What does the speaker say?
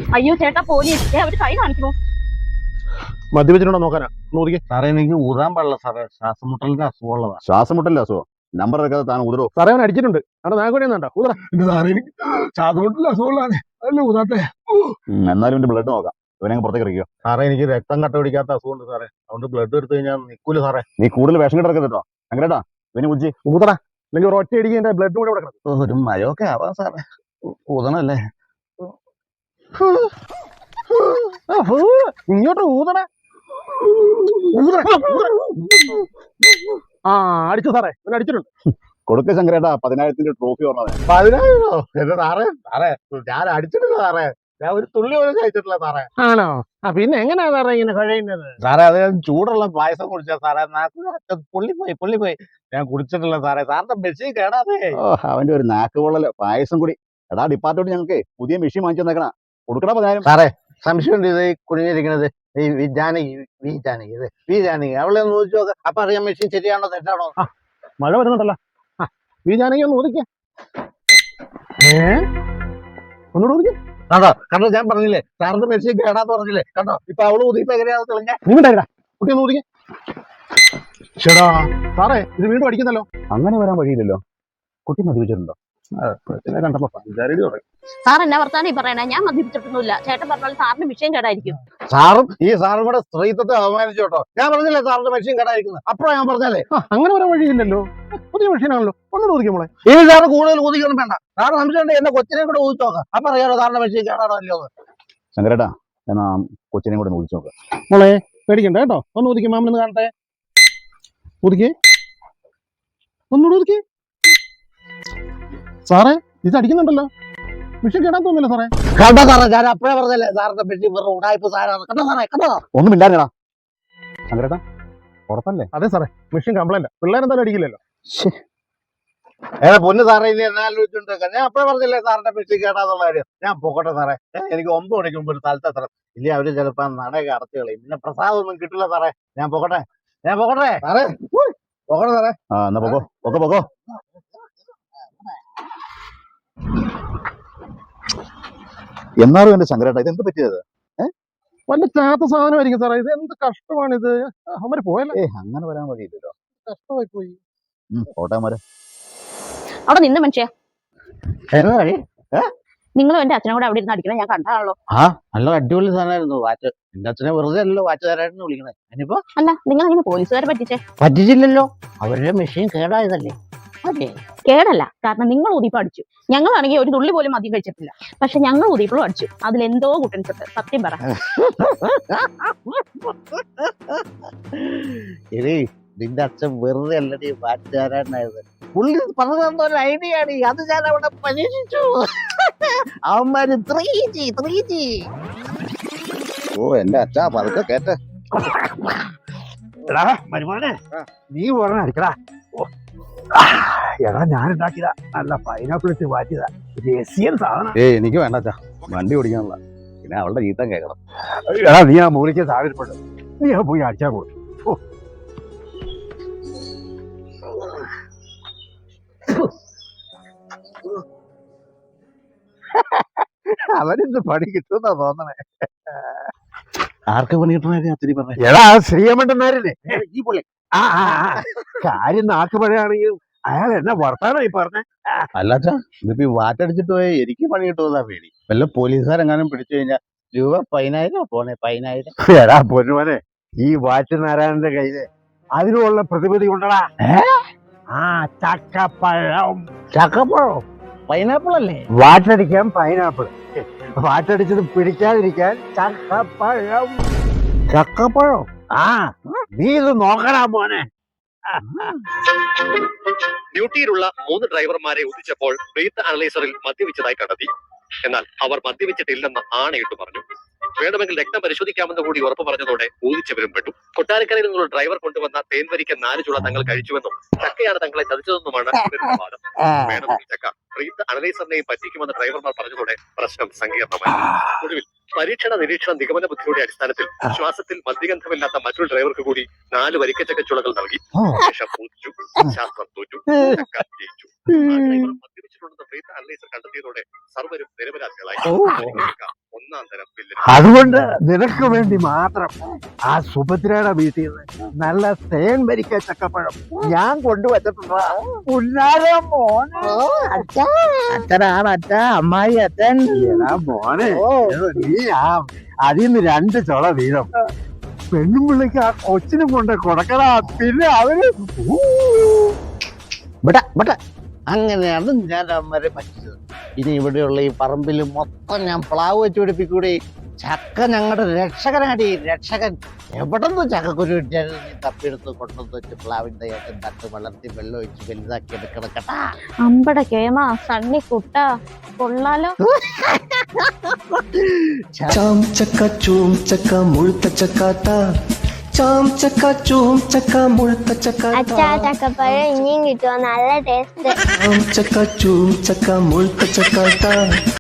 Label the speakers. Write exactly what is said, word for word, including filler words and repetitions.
Speaker 1: അയ്യോ ചേട്ടാ പോലീസ് അവര് കൈ കാണിക്കണോ?
Speaker 2: മദ്യപിച്ചിട്ടുണ്ടോ നോക്കാനാ നോക്കി.
Speaker 3: സാറേ എനിക്ക് ഊതാൻ പാടില്ല സാറേ, ശ്വാസമുട്ടലിന്റെ അസുഖമുള്ളതാ.
Speaker 4: ശ്വാസമുട്ടലിന്റെ അസുഖം നമ്പർ എടുക്കാതെ താൻ ഊതരോ?
Speaker 2: സാറേ അവൻ അടിച്ചിട്ടുണ്ട്. അവിടെ നാഗോടി ഒന്നാ ഊതറ.
Speaker 3: സാറേ എനിക്ക് ശ്വാസമുട്ടലിന്റെ അസുഖമുള്ളതാണ്, അല്ല ഊതാത്തെ.
Speaker 4: എന്നാലും എന്റെ ബ്ലഡ് നോക്കാം. ഇവനെ പുറത്തേക്ക് ഇറക്കിയോ.
Speaker 2: സാറേ എനിക്ക് രക്തം കട്ട പിടിക്കാത്ത അസുഖമുണ്ട് സാറേ, അതുകൊണ്ട് ബ്ലഡ് എടുത്തു കഴിഞ്ഞാൽ നിൽക്കൂല സാറേ.
Speaker 4: നീ കൂടുതൽ വിഷം കിടക്കരുത് കേട്ടോ. അങ്ങനെട്ടാ ഇവനെ ഉജ്ജി
Speaker 2: ഊതറ, അല്ലെങ്കിൽ ഒരു ഒറ്റ അടിക്ക് എന്റെ ബ്ലഡ് കൂടെ ഇവിടെ കിടക്കും.
Speaker 3: ഒരു മഴയൊക്കെ ആവാം സാറേ, ഊതണല്ലേ.
Speaker 2: ഇങ്ങോട്ട് ഊതണ. ആ അടിച്ചു സാറേ, ഇവൻ അടിച്ചിട്ടുണ്ട്.
Speaker 4: കൊടുക്ക ശങ്കരേട്ടാ പതിനായിരത്തിന്റെ ട്രോഫി പറഞ്ഞത്.
Speaker 2: പതിനായിരോ? എന്റെ സാറേ സാറേ ഞാൻ അടിച്ചിട്ടില്ല സാറേ, ഞാൻ ഒരു തുള്ളി പോലും കഴിച്ചിട്ടില്ല സാറേ. ആണോ? ആ പിന്നെ എങ്ങനെയാ സാറേ ഇങ്ങനെ കഴിയുന്നത്?
Speaker 3: സാറേ അത് ഞാൻ ചൂടുള്ള പായസം കുടിച്ചാ സാറേ, നാക്ക് പൊള്ളിപ്പോയി പൊള്ളിപ്പോയി. ഞാൻ കുടിച്ചിട്ടില്ല സാറേ, സാറിന്റെ മെഷീൻ കേടാതെ.
Speaker 4: ഓ അവന്റെ ഒരു നാക്ക് പൊള്ളല് പായസം കൂടി. എടാ ഡിപ്പാർട്ട്മെന്റ് ഞങ്ങൾക്ക് പുതിയ മെഷീൻ വാങ്ങിച്ചു തന്നേക്കണ. കൊടുക്കണ പതിനായിരം.
Speaker 3: സാറേ സംശയമുണ്ട്, ഇത് കുടുങ്ങിയിരിക്കുന്നത് ഈ വി ജാനകി വി ജാനകി ഇത് വി ജാനകി അവളെ ഒന്ന് ചോദിച്ചു നോക്ക്, അപ്പൊ അറിയാം മെഷീൻ ശരിയാണോ തെറ്റാണോ.
Speaker 2: മഴ വരുന്നുണ്ടല്ലോ. ഈ ജാനകി ഒന്ന് ഊതിക്ക. ഏ ഒന്നുകൂടെ ഊതിക്ക.
Speaker 3: കണ്ടോ കണ്ടോ, ഞാൻ പറഞ്ഞില്ലേ സാറിന്റെ മെഷീൻ കേടാന്ന് പറഞ്ഞില്ലേ, കണ്ടോ ഇപ്പൊ അവള് ഊതിപ്പോ എങ്ങനെയാന്ന് തെളിഞ്ഞ.
Speaker 2: നീണ്ടാ കുട്ടി ഒന്ന് ഊതിക്ക. ചേടാ സാറേ ഇത് വീണ്ടും അടിക്കുന്നല്ലോ.
Speaker 4: അങ്ങനെ വരാൻ വഴിയില്ലല്ലോ. കുട്ടി മദ്യപിച്ചിട്ടുണ്ടോ?
Speaker 2: കണ്ടപ്പോ പഞ്ചാരടി തുടങ്ങി.
Speaker 1: സാർ എന്നാ വർത്താനം ഈ പറയണേ? ഞാൻ മദ്യപിച്ചിട്ടൊന്നുമില്ല. ചേട്ടൻ പറഞ്ഞാൽ സാറിന്റെ വിഷയം കേടായിരിക്കും.
Speaker 3: സാറും ഈ സാറും കൂടെ സ്ത്രീത്വത്തെ അപമാനിച്ചു കേട്ടോ. ഞാൻ പറഞ്ഞില്ലേ സാറിന്റെ മെഷീൻ കേടായിരിക്കുന്നത്, അപ്പഴാ ഞാൻ പറഞ്ഞല്ലേ.
Speaker 2: അങ്ങനെ വരാൻ വഴിയില്ലല്ലോ, പുതിയ മെഷീനാണല്ലോ. ഒന്നും ഊതിക്കുമ്പോളെ
Speaker 3: ഈ സാറ് കൂടുതൽ ഊതിക്കൊന്നും വേണ്ട. സാറ് സംശയമുണ്ട് എന്നെ കൊച്ചിനെ കൂടെ ഊതിച്ചു നോക്കാം, അപ്പൊ അറിയാലോ സാറിന്റെ മെഷീൻ കേടാണോ അല്ലയോ.
Speaker 4: ശങ്കരേട്ടാ എന്നാ കൊച്ചിനെയും കൂടെ ഊതിച്ചു നോക്കാം.
Speaker 2: മോളെ പേടിക്കണ്ട കേട്ടോ, ഒന്ന് ഊതിക്കും. മാമനൊന്ന് കാണട്ടെ. ഊതിക്കേ, ഒന്നുകൂടെ ഊതിക്കേ. സാറേ ഇത് അടിക്കുന്നുണ്ടല്ലോ, മെഷീൻ കേടാൻ തോന്നില്ല സാറേ.
Speaker 3: കണ്ടോ സാറേ, ഞാൻ അപ്പഴേ പറഞ്ഞല്ലേ സാറിന്റെ മെഷീൻ വെറും ഉടായ്പ സാറാണ്. കണ്ടോ സാറേ കണ്ടോ.
Speaker 4: ഒന്നും ഇല്ലാഞ്ഞടാ ശങ്കരേട്ടാ, പുറത്തല്ലേ?
Speaker 2: അതെ സാറേ മെഷീൻ കംപ്ലൈന്റ്. പിള്ളേരെന്തായാലും അടിക്കില്ലല്ലോ.
Speaker 3: ഏതാ പൊന്ന് സാറേ, ഇനി എന്നെ ആലോചിച്ചോണ്ട് ഞാൻ അപ്പഴേ പറഞ്ഞില്ലേ സാറിന്റെ മെഷീൻ കേടാന്നുള്ള കാര്യം. ഞാൻ പോകട്ടെ സാറേ, എനിക്ക് ഒമ്പത് മണിക്ക് മുമ്പ് ഒരു സ്ഥലത്ത് എത്തണം. ഇല്ലേ അവര് ചിലപ്പോ നടയൊക്കെ അടച്ചു കളയും, പിന്നെ പ്രസാദം ഒന്നും കിട്ടില്ല സാറേ. ഞാൻ പോകട്ടെ ഞാൻ പോകട്ടെ സാറേ, പോകട്ടെ സാറേ.
Speaker 4: ആ എന്നാ പോകോ പോകോ പോകോ. എന്നാലും എന്റെ ശങ്കരേട്ടാ ഇത് എന്ത് പറ്റിയത്?
Speaker 2: വല്ല ചാത്ത സാധനമായിരിക്കും സാറേ. ഇത് എന്ത് കഷ്ടമാണിത്. അവര് പോയല്ലേ.
Speaker 4: ഏ അങ്ങനെ വരാൻ വഴിയില്ലല്ലോ.
Speaker 2: കഷ്ടമായി പോയി.
Speaker 4: കോട്ടയമാരെ
Speaker 1: അവിടെ നിന്ന് മനുഷ്യ,
Speaker 3: എന്നാ വഴി?
Speaker 1: നിങ്ങളും എന്റെ അച്ഛനും കൂടെ അവിടെ ഇരുന്ന് അടിക്കണം, ഞാൻ കണ്ടാണല്ലോ.
Speaker 3: ആ നല്ല അടിപൊളി സാധനമായിരുന്നു വാച്ച്. എന്റെ അച്ഛനെ വെറുതെ അല്ലല്ലോ വാച്ച് തരായിരുന്നു വിളിക്കണേ. അതിനിപ്പോ
Speaker 1: അല്ല നിങ്ങൾ അങ്ങനെ പോലീസുകാരെ പറ്റിച്ചേ?
Speaker 3: പറ്റിച്ചില്ലല്ലോ, അവരുടെ മെഷീൻ കേടായതല്ലേ. അതെ
Speaker 1: കേടല്ല, കാരണം നിങ്ങൾ ഊതിയപ്പോ അടിച്ചു. ഞങ്ങളാണെങ്കിൽ ഒരു തുള്ളി പോലും മദ്യം കഴിച്ചിട്ടില്ല, പക്ഷെ ഞങ്ങൾ ഊതിയപ്പോഴും അടിച്ചു. അതിലെന്തോ കുട്ടൻസുണ്ട്, സത്യം പറ.
Speaker 3: എടീ നിന്റെ അച്ഛൻ വെറുതെ അല്ലടി വാച്ച് തരാനായത്. പുള്ളി പറഞ്ഞു തന്ന ഒരു ഐഡിയ ആണ്, അത് ഞാൻ അവിടെ പരീക്ഷിച്ചു. അവന്മാര് ത്രീ ജി ത്രീ ജി.
Speaker 4: ഓ എന്റെ അച്ഛാ പതുക്കെ കേട്ടെ.
Speaker 2: എടാ മരുമോനെ, നീ പറഞ്ഞ അടിക്കടാ. എടാ ഞാൻ ഉണ്ടാക്കിയതാ, നല്ല പൈനാപ്പിൾ ഇട്ട് മാറ്റിയതാ, രസിയൻ സാധനം.
Speaker 4: ഏയ് എനിക്ക് വേണ്ട അച്ഛാ, വണ്ടി ഓടിക്കാനുള്ള. പിന്നെ അവളുടെ ജീത്തം കേൾക്കണം.
Speaker 2: എടാ നീ ആ മൂലിക്ക് സാഹചര്യപ്പെട്ടു, നീ ആ പോയി അടിച്ചാൽ പോകും.
Speaker 3: അവരിന്ന് പണി കിട്ടുന്ന തോന്നണേ. ആർക്ക് പണി കിട്ടണ അത്തിരി പറഞ്ഞ?
Speaker 2: എടാ ശ്രീയമ്മണ്ടന്മാരല്ലേ ഈ പുള്ളി. ആ കാര്യം നാക്ക് പഴയാണെങ്കിൽ അയാൾ എന്നെ വർത്താനായി പറഞ്ഞേ.
Speaker 3: അല്ലാച്ചാ ഇതിപ്പോ ഈ വാറ്റടിച്ചിട്ട് പോയി എനിക്ക് പണി കിട്ടുന്നതാ പേടി. വല്ല പോലീസുകാരെങ്ങാനും പിടിച്ചു കഴിഞ്ഞാൽ രൂപ പതിനായിരം പോണേ, പതിനായിരം.
Speaker 2: എടാ പൊന്നുമോനെ, ഈ വാറ്റ് നാരായണന്റെ കയ്യില് അതിനുള്ള പ്രതിവിധി ഉണ്ടടാ. ആ ചക്കപ്പഴം.
Speaker 3: ചക്കപ്പഴം പൈനാപ്പിൾ അല്ലേ?
Speaker 2: വാറ്റടിക്കാൻ പൈനാപ്പിൾ, വാറ്റടിച്ചത് പിടിക്കാതിരിക്കാൻ ചക്കപ്പഴം.
Speaker 3: ചക്കപ്പഴം
Speaker 2: ആ നീ ഇത് നോക്കടാ മോനെ.
Speaker 5: ഡ്യൂട്ടിയിലുള്ള മൂന്ന് ഡ്രൈവർമാരെ ഉദിച്ചപ്പോൾ ബ്രീത്ത് അനലൈസറിൽ മദ്യപിച്ചതായി കണ്ടെത്തി. എന്നാൽ അവർ മദ്യപിച്ചിട്ടില്ലെന്ന് ആണയിട്ട് പറഞ്ഞു. വേണമെങ്കിൽ രക്തം പരിശോധിക്കാമെന്ന് കൂടി ഉറപ്പ് പറഞ്ഞതോടെ ഊതിച്ചവരും പെട്ടു. കൊട്ടാരക്കരയിൽ നിന്നുള്ള ഡ്രൈവർ കൊണ്ടുവന്ന തേൻവരിക്ക നാല് ചുള തങ്ങൾ കഴിച്ചുവെന്നും ചക്കയാണ് തങ്ങളെ ചതിച്ചതെന്നുമാണ് ഇവരുടെ വാദം. വേണമെങ്കിൽ ചക്ക ബ്രീത്ത് അനലൈസറിനെയും പറ്റിക്കുമെന്ന് ഡ്രൈവർമാർ പറഞ്ഞതോടെ പ്രശ്നം സങ്കീർണമായി. ഒടുവിൽ പരീക്ഷണ നിരീക്ഷണ നിഗമന ബുദ്ധിയുടെ അടിസ്ഥാനത്തിൽ ശ്വാസത്തിൽ മദ്യഗന്ധമില്ലാത്ത മറ്റൊരു ഡ്രൈവർക്ക് കൂടി നാല് വരിക്കച്ചക്കച്ചുളകൾ നൽകി. ശേഷം ഊതിച്ചു. ശാസ്ത്രം തോറ്റു, ചക്ക ജയിച്ചു. മദ്യപിച്ചിട്ടുണ്ടെന്ന് ബ്രീത്ത് അനലൈസർ കണ്ടെത്തിയതോടെ സർവരും നിരപരാധികളായി. ഒന്നാം തരം വില്ലൻ.
Speaker 2: അതുകൊണ്ട് നിനക്ക് വേണ്ടി മാത്രം ആ സുഭദ്രയുടെ വീട്ടിൽ നിന്ന് നല്ല തേൻ വരിക്ക ചക്കപ്പഴം ഞാൻ കൊണ്ടുവച്ചിട്ടുള്ള പുന്നാരം മോനെ. അച്ഛനാണ് അച്ഛ, അമ്മായി അച്ഛൻ. എടാ മോനെ, നീ ആ അതിൽ നിന്ന് രണ്ട് ചുള വീതം പെണ്ണും പിള്ളിക്ക് ആ കൊച്ചിനും കൊണ്ട് കൊടുക്കടാ. പിന്നെ അവര്
Speaker 3: ബട്ട ബട്ട അങ്ങനെയാണ് ഞാൻ അമ്മരെ പറ്റിച്ചത്. ഇനി ഇവിടെയുള്ള ഈ പറമ്പിൽ മൊത്തം ഞാൻ പ്ലാവ് വെച്ച് പിടിപ്പിക്കൂടി. ചക്ക ഞങ്ങളുടെ രക്ഷകനാടി, രക്ഷകൻ. എവിടെ നിന്ന് ചക്കക്കുരു കിട്ടിയാലും നീ തപ്പിയെടുത്ത് കൊണ്ടുവന്ന് വെച്ച് പ്ലാവിന്റെ ഏറ്റവും തട്ട് വളർത്തി വെള്ളം ഒഴിച്ച് വലുതാക്കി എടുക്കണം കേട്ടാ.
Speaker 1: അമ്പട കേമ സണ്ണി കുട്ട കൊള്ളാലോ.
Speaker 6: ചാം ചക്ക ചൂം ചക്ക മുഴുത്ത ചക്കാത്ത ചാം ചക്ക ചൂം ചക്ക മുഴുത്ത ചക്കാത്ത
Speaker 7: അച്ഛാ ചക്കപ്പഴം ഇനിയും കിട്ടുമോ? നല്ല ടേസ്റ്റ്.
Speaker 6: ചാം ചക്ക ചൂം ചക്ക മുഴുത്ത ചക്കാത്ത